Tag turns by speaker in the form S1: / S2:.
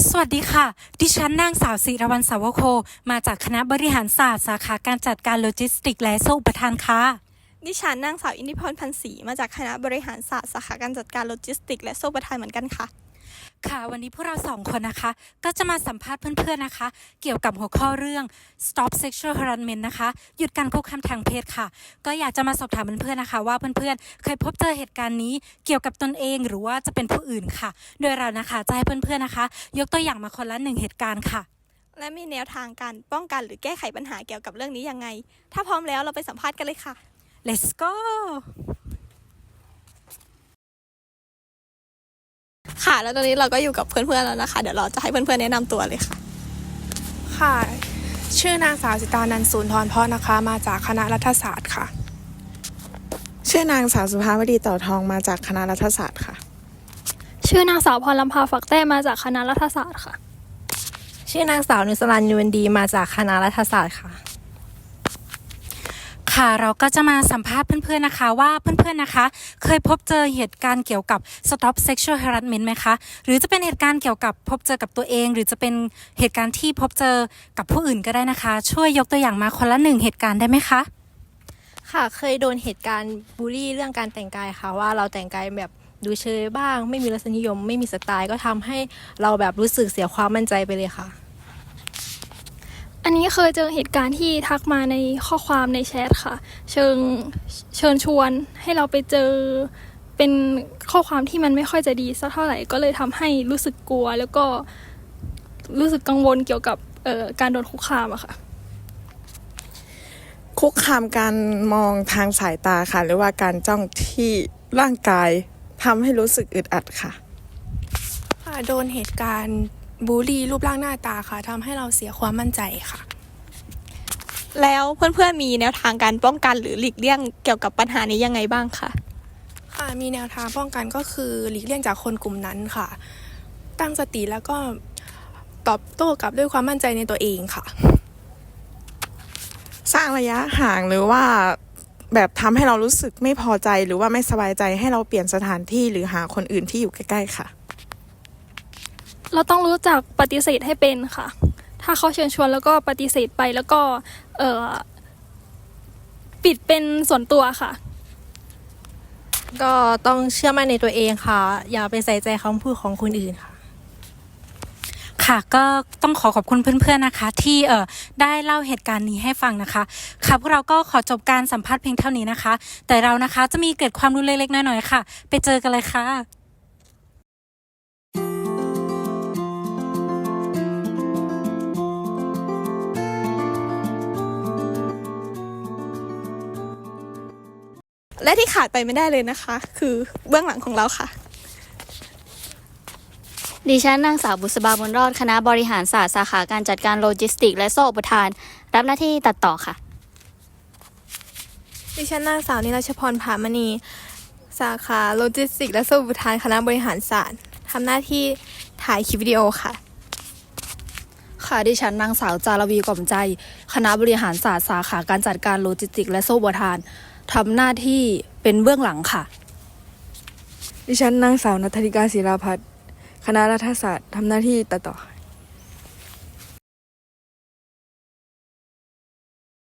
S1: สวัสดีค่ะดิฉันนางสาวศิรวรรณสาวโคมาจากคณะบริหารศาสตร์สาขาการจัดการโลจิสติกส์และโซ่อุปทานค่ะ
S2: ดิฉันนางสาวอินทิพรพันศรีมาจากคณะบริหารศาสตร์สาขาการจัดการโลจิสติกส์และโซ่ประทานเหมือนกันค่ะ
S1: ค่ะวันนี้พวกเราสองคนนะคะก็จะมาสัมภาษณ์เพื่อนๆนะคะเกี่ยวกับหัวข้อเรื่อง Stop Sexual Harassment นะคะหยุดการคุกคามทางเพศค่ะก็อยากจะมาสอบถามเพื่อนๆนะคะว่าเพื่อนๆเคยพบเจอเหตุการณ์นี้เกี่ยวกับตนเองหรือว่าจะเป็นผู้อื่นค่ะโดยเรานะคะจะให้เพื่อนๆนะคะยกตัวอย่างมาคนละ1เหตุการณ์ค่ะ
S2: และมีแนวทางการป้องกันหรือแก้ไขปัญหาเกี่ยวกับเรื่องนี้ยังไงถ้าพร้อมแล้วเราไปสัมภาษณ์กันเลยค่ะ
S1: Let's go
S2: ค่ะแล้วตอนนี้เราก็อยู่กับเพื่อนๆแล้วนะคะเดี๋ยวเราจะให้เพื่อนๆแนะนำตัวเลยค่ะ
S3: ค่ะชื่อนางสาวสิตานันท์ศูนย์ทรเพาะนะคะมาจากคณะรัฐศาสตร์ค่ะ
S4: ชื่อนางสาวสุภาวดีต่อทองมาจากคณะรัฐศาสตร์ค่ะ
S5: ชื่อนางสาวพรลำพาฝักแต้มาจากคณะรัฐศาสตร์ค่ะ
S6: ชื่อนางสาวนุสรันยูนดีมาจากคณะรัฐศาสตร์ค่ะ
S1: ค่ะเราก็จะมาสัมภาษณ์เพื่อนๆนะคะว่าเพื่อนๆนะคะเคยพบเจอเหตุการณ์เกี่ยวกับ Stop Sexual Harassment ไหมคะหรือจะเป็นเหตุการณ์เกี่ยวกับพบเจอกับตัวเองหรือจะเป็นเหตุการณ์ที่พบเจอกับผู้อื่นก็ได้นะคะช่วยยกตัวอย่างมาคนละ1เหตุการณ์ได้ไหมคะ
S6: ค่ะเคยโดนเหตุการณ์บูลลี่เรื่องการแต่งกายค่ะว่าเราแต่งกายแบบดูเชยบ้างไม่มีรสนิยมไม่มีสไตล์ก็ทำให้เราแบบรู้สึกเสียความมั่นใจไปเลยค่ะ
S5: อันนี้เคยเจอเหตุการณ์ที่ทักมาในข้อความในแชทค่ะเชิญชวนให้เราไปเจอเป็นข้อความที่มันไม่ค่อยจะดีสักเท่าไหร่ก็เลยทำให้รู้สึกกลัวแล้วก็รู้สึกกังวลเกี่ยวกับการโดนคุกคามอะค่ะ
S4: คุกคามการมองทางสายตาค่ะหรือว่าการจ้องที่ร่างกายทำให้รู้สึกอึดอัดค่ะ
S3: โดนเหตุการณ์บูลลี่รูปร่างหน้าตาค่ะทำให้เราเสียความมั่นใจค่ะ
S2: แล้วเพื่อนๆมีแนวทางการป้องกันหรือหลีกเลี่ยงเกี่ยวกับปัญหานี้ยังไงบ้างคะ
S3: ค่ะมีแนวทางป้องกันก็คือหลีกเลี่ยงจากคนกลุ่มนั้นค่ะตั้งสติแล้วก็ตอบโต้กลับด้วยความมั่นใจในตัวเองค่ะ
S4: สร้างระยะห่างหรือว่าแบบทำให้เรารู้สึกไม่พอใจหรือว่าไม่สบายใจให้เราเปลี่ยนสถานที่หรือหาคนอื่นที่อยู่ใกล้ๆค่ะ
S5: เราต้องรู้จักปฏิเสธให้เป็นค่ะถ้าเขาเชิญชวนแล้วก็ปฏิเสธไปแล้วก็ปิดเป็นส่วนตัวค่ะ
S6: ก็ต้องเชื่อมั่นในตัวเองค่ะอย่าไปใส่ใจคำพูดของคนอื่นค่ะ
S1: ค่ะก็ต้องขอบคุณเพื่อนๆนะคะที่ได้เล่าเหตุการณ์นี้ให้ฟังนะคะค่ะพวกเราก็ขอจบการสัมภาษณ์เพียงเท่านี้นะคะแต่เรานะคะจะมีเกร็ดความรู้เล็กๆน้อยๆค่ะไปเจอกันเลยค่ะ
S2: และที่ขาดไปไม่ได้เลยนะคะคือเบื้องหลังของเราค่ะ
S7: ดิฉันนางสาวบุษบาบุญรอดคณะบริหารศาสตร์สาขาการจัดการโลจิสติกส์และโซ่อุปทานรับหน้าที่ตัดต่อค่ะ
S3: ดิฉันนางสาวนิรชพรผามณีสาขาโลจิสติกส์และโซ่อุปทานคณะบริหารศาสตร์ทำหน้าที่ถ่ายคลิปวิดีโอค่ะ
S8: ค่ะดิฉันนางสาวจารวีกล่อมใจคณะบริหารศาสตร์สาขาการจัดการโลจิสติกส์และโซ่อุปทานทำหน้าที่เป็นเบื้องหลังค่ะ
S9: ดิฉันนางสาวณัฐริกาศิลาภัทรคณะรัฐศาสตร์ทำหน้าที่ตัดต่อ